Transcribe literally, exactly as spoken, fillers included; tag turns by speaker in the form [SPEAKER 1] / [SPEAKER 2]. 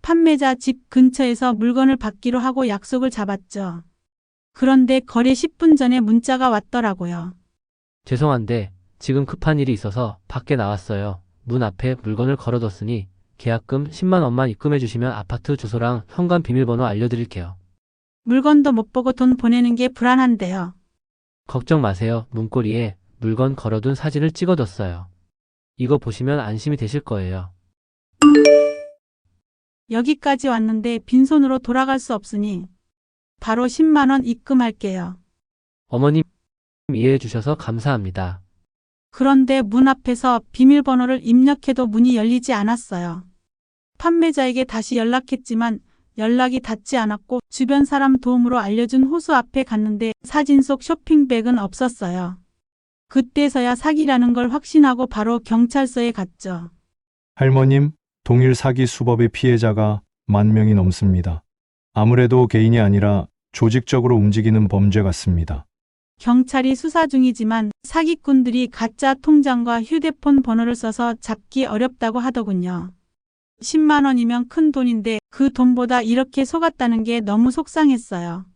[SPEAKER 1] 판매자 집 근처에서 물건을 받기로 하고 약속을 잡았죠. 그런데 거래 십 분 전에 문자가 왔더라고요.
[SPEAKER 2] 죄송한데 지금 급한 일이 있어서 밖에 나왔어요. 문 앞에 물건을 걸어뒀으니 계약금 십만 원만 입금해 주시면 아파트 주소랑 현관 비밀번호 알려드릴게요.
[SPEAKER 1] 물건도 못 보고 돈 보내는 게 불안한데요.
[SPEAKER 2] 걱정 마세요. 문고리에 물건 걸어둔 사진을 찍어뒀어요. 이거 보시면 안심이 되실 거예요.
[SPEAKER 1] 여기까지 왔는데 빈손으로 돌아갈 수 없으니 바로 십만 원 입금할게요.
[SPEAKER 2] 어머님 이해해 주셔서 감사합니다.
[SPEAKER 1] 그런데 문 앞에서 비밀번호를 입력해도 문이 열리지 않았어요. 판매자에게 다시 연락했지만 연락이 닿지 않았고 주변 사람 도움으로 알려준 호수 앞에 갔는데 사진 속 쇼핑백은 없었어요. 그때서야 사기라는 걸 확신하고 바로 경찰서에 갔죠.
[SPEAKER 3] 할머님, 동일 사기 수법의 피해자가 만 명이 넘습니다. 아무래도 개인이 아니라 조직적으로 움직이는 범죄 같습니다.
[SPEAKER 1] 경찰이 수사 중이지만 사기꾼들이 가짜 통장과 휴대폰 번호를 써서 잡기 어렵다고 하더군요. 십만 원이면 큰 돈인데 그 돈보다 이렇게 속았다는 게 너무 속상했어요.